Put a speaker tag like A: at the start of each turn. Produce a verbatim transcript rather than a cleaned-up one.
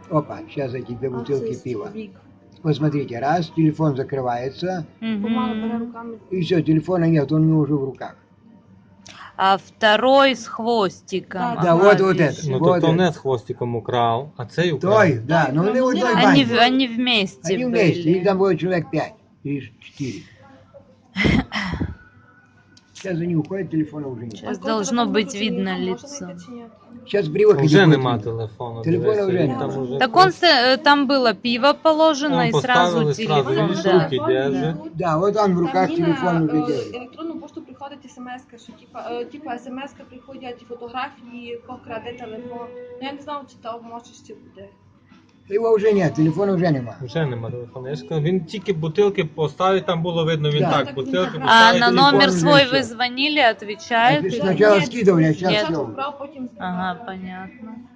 A: Опа, сейчас эти две
B: А
A: бутылки
B: це
A: пива.
B: вік.
A: Вот смотрите, раз, телефон закрывается,
B: Помало бере
C: Мгм.
B: руками.
A: и все, телефона нет, он у него уже в руках.
C: А второй с хвостиком.
B: Да,
A: Да,
C: Ага,
A: вот, вот
C: вижу.
A: это.
D: Ну
A: Вот
D: то, то
A: это.
D: не з хвостиком украв, а цей украв.
A: Той, да, но они в
B: Они
A: одной
C: Они,
A: бане.
C: в- они вместе
A: Они вместе,
C: были.
A: их там было человек пять или четыре. Сейчас они уходят, телефона уже нет.
C: Сейчас
B: А коли
C: должно
B: телефон
C: быть
B: виключений,
C: видно
B: його
C: лицо.
B: можна знайти чи ні?
A: Сейчас при выходе
D: Вже
A: будет
D: нема
A: видно.
D: телефону.
A: Телефона
D: дивися,
A: вже
D: він
A: нема.
D: там уже
C: Так он, с- там было пиво положено
D: Он
C: и сразу
D: поставили, сразу
C: телефон,
D: видишь,
C: да.
D: руки держит.
A: Да, вот он в руках
B: Там
A: телефон
B: на
A: уже
B: е,
A: держит.
B: електронну пошту приходить смс-ка, що типа, е, типа смс-ка приходять фотографії, хто краде телефон. Ну я не знала, чи то може ще буде.
A: Его уже нет, телефона уже нема.
D: Вже нема телефону. Я ж кажу, він тільки бутилки поставить, там було видно, він
A: Да.
D: так,
B: Так,
D: бутилки
B: він
C: А
D: поставить.
C: на
A: телефон
C: номер
A: уже
C: свой
A: всё.
C: вы звонили, отвечают?
A: Отвечают.
C: или-
A: Сначала
B: Ні,
A: скидывали, а сейчас
C: Нет.
B: спочатку
A: все.
B: брав, потім
C: Ага,
B: знімав.
C: понятно.